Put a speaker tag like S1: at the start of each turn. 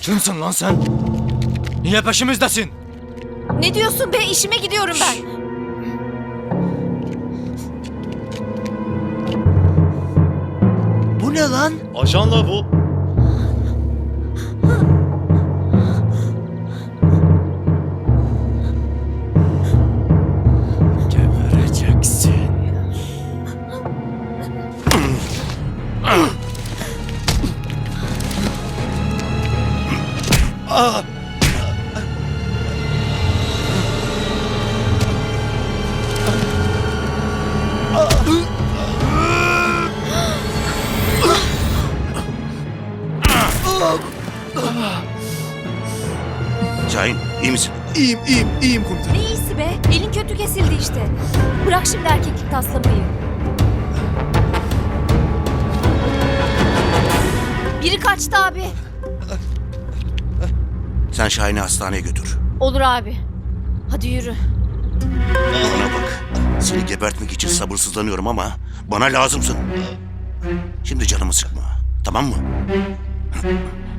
S1: Kimsin lan sen? Niye peşimizdesin?
S2: Ne diyorsun be? İşime gidiyorum ben.
S1: Bu ne lan?
S3: Ajanla bu.
S1: Gebereceksin.
S4: Şahin iyi misin?
S5: İyiyim komutanım.
S2: Ne iyisi be? Elin kötü kesildi işte. Bırak şimdi erkeklik taslamayı. Biri kaçtı abi.
S4: Sen Şahin'i hastaneye götür.
S2: Olur abi. Hadi yürü.
S4: Bana bak. Seni gebertmek için sabırsızlanıyorum ama bana lazımsın. Şimdi canımı sıkma. Tamam mı?